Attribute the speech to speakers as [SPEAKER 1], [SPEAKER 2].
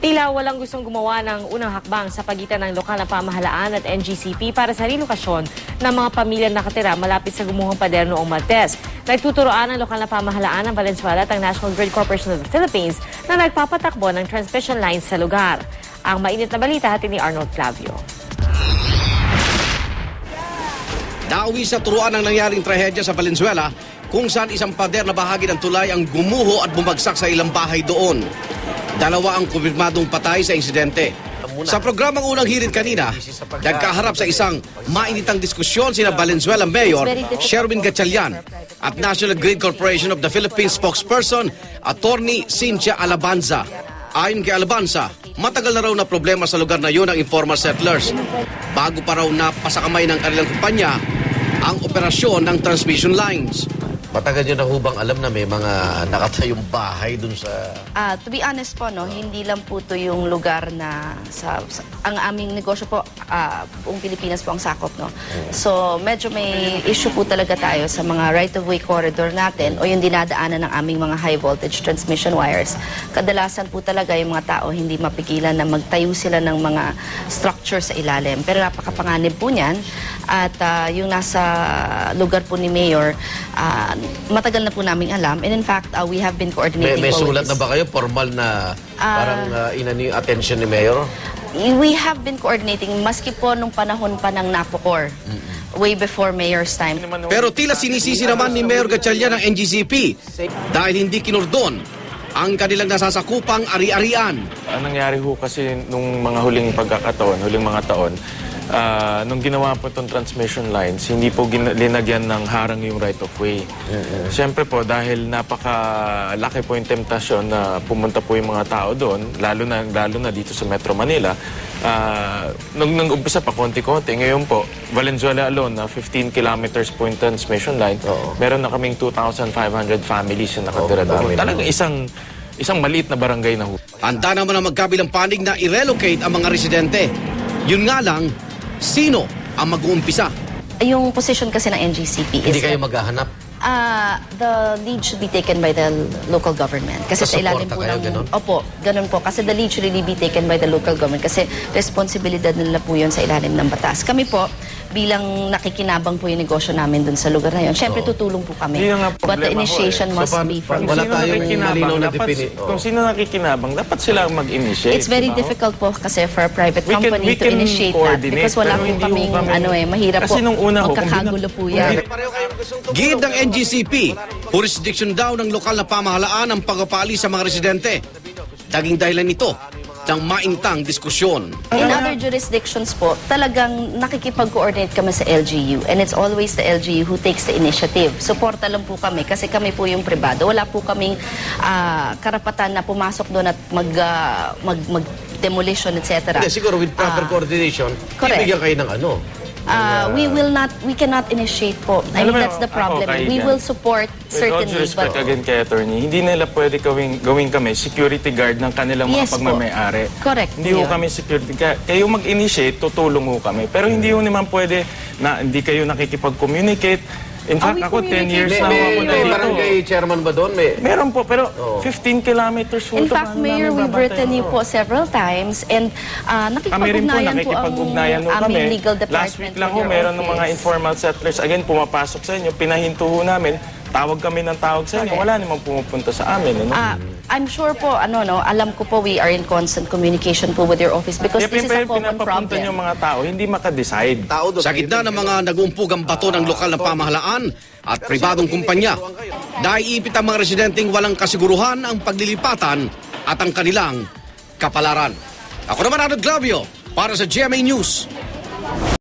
[SPEAKER 1] Tila walang gustong gumawa ng unang hakbang sa pagitan ng lokal na pamahalaan at NGCP para sa relokasyon ng mga pamilya nakatira malapit sa gumuhang pader noong Martes. Nagtuturoan ang lokal na pamahalaan ng Valenzuela at ang National Grid Corporation of the Philippines na nagpapatakbo ng transmission lines sa lugar. Ang mainit na balita hatid ni Arnold Clavio.
[SPEAKER 2] Nauwi sa turuan ang nangyaring trahedya sa Valenzuela kung saan isang pader na bahagi ng tulay ang gumuho at bumagsak sa ilang bahay doon. Dalawa ang kumpirmadong patay sa insidente. Sa programang unang hirit kanina, nagkaharap sa isang mainitang diskusyon sina Valenzuela Mayor Sherwin Gatchalian at National Grid Corporation of the Philippines spokesperson Attorney Cynthia Alabanza. Ayon kay Alabanza, matagal na raw na problema sa lugar na yun ang informal settlers. Bago pa raw napasakamay ng kanilang kumpanya ang operasyon ng transmission lines.
[SPEAKER 3] Matagal nyo na hubang alam na may mga nakatayong bahay dun sa...
[SPEAKER 4] To be honest po, no, hindi lang po to yung lugar na ang aming negosyo po, buong Pilipinas po ang sakop. No? So medyo may issue po talaga tayo sa mga right-of-way corridor natin o yung dinadaanan ng aming mga high-voltage transmission wires. Kadalasan po talaga yung mga tao hindi mapigilan na magtayo sila ng mga structure sa ilalim. Pero napakapanganib po niyan at yung nasa lugar po ni Mayor, matagal na po naming alam. And in fact, we have been coordinating
[SPEAKER 3] May sulat
[SPEAKER 4] always.
[SPEAKER 3] na ba kayo? Formal na parang inani yung attention ni Mayor?
[SPEAKER 4] We have been coordinating maski po nung panahon pa ng NAPOCOR. Way before Mayor's time.
[SPEAKER 2] Pero tila sinisisi naman ni Mayor Gatchalian ng NGCP dahil hindi kinordon ang kanilang nasasakupang ari-arian.
[SPEAKER 5] Ang nangyari ho kasi nung mga huling pagkakataon, huling mga taon, nung ginawa po itong transmission lines, hindi po linagyan ng harang yung right-of-way. Siyempre po, dahil napakalaki po yung temptasyon na pumunta po yung mga tao doon, lalo na dito sa Metro Manila, nung umpisa pa konti-konti, ngayon po, Valenzuela alone, na 15 kilometers po yung transmission line, meron na kaming 2,500 families na nakatira doon. Talagang isang maliit na barangay na ho.
[SPEAKER 2] Handa naman ang magkabilang panig na i-relocate ang mga residente. Yun nga lang, sino ang mag-uumpisa?
[SPEAKER 4] Yung position kasi ng NGCP is...
[SPEAKER 3] Hindi kayo maghahanap?
[SPEAKER 4] The lead should be taken by the local government. Kasi sa ilalim po
[SPEAKER 3] kayo,
[SPEAKER 4] ng...
[SPEAKER 3] ganun?
[SPEAKER 4] Opo, ganun po. Kasi the lead should really be taken by the local government. Kasi responsibilidad nila po yun sa ilalim ng batas. Kami po, bilang nakikinabang po yung negosyo namin dun sa lugar na yun, syempre tutulong po kami. But the initiation must be from...
[SPEAKER 3] Wala tayong malinaw na definite.
[SPEAKER 5] Kung sino nakikinabang, dapat sila mag-initiate.
[SPEAKER 4] It's very difficult po kasi for a private company to initiate that. Because wala po kaming, mahirap po.
[SPEAKER 5] Kasi nung una
[SPEAKER 4] magkakagulo po yan.
[SPEAKER 2] Gid ng NGCP, jurisdiction daw ng lokal na pamahalaan ang pagpapali sa mga residente. Daging dahilan nito ng maintang diskusyon.
[SPEAKER 4] In other jurisdictions po, talagang nakikipag-coordinate kami sa LGU and it's always the LGU who takes the initiative. Suporta lang po kami kasi kami po yung pribado. Wala po kaming karapatan na pumasok doon at mag-demolition, etc.
[SPEAKER 3] Hindi, siguro with proper coordination, ibigyan kayo ng ano?
[SPEAKER 4] We cannot initiate po. I mean, that's the problem. We will support certainly.
[SPEAKER 5] With all due respect again kay attorney, hindi nila pwede gawin kami security guard ng kanilang mga pagmamayari.
[SPEAKER 4] Correct.
[SPEAKER 5] Hindi ho kami security guard. Kayo mag-initiate, tutulong ho kami. Pero hindi ho naman pwede na hindi kayo nakikipag-communicate. In fact, ako 10 years na ako na
[SPEAKER 3] May
[SPEAKER 5] dito.
[SPEAKER 3] barangay chairman ba doon?
[SPEAKER 5] Meron po, pero 15 kilometers ho.
[SPEAKER 4] In fact, Mayor, we've written you po several times and
[SPEAKER 5] kami rin po,
[SPEAKER 4] nakikipag-ugnayan po ang aming legal department.
[SPEAKER 5] Last week lang ho, meron ng mga informal settlers. Again, pumapasok sa inyo, pinahinto ho namin. Tawag kami ng tawag sa inyo. Wala namang pumupunta sa amin.
[SPEAKER 4] I'm sure po, alam ko po we are in constant communication po with your office because this is a common
[SPEAKER 5] pinapapunta
[SPEAKER 4] problem.
[SPEAKER 5] yung mga tao, hindi makadecide.
[SPEAKER 2] Sa gitna ng mga nag-umpugang bato ng lokal na pamahalaan at pribadong kumpanya, naiipit ang mga residenteng walang kasiguruhan ang paglilipatan at ang kanilang kapalaran. Ako naman, Arnold Clavio, para sa GMA News.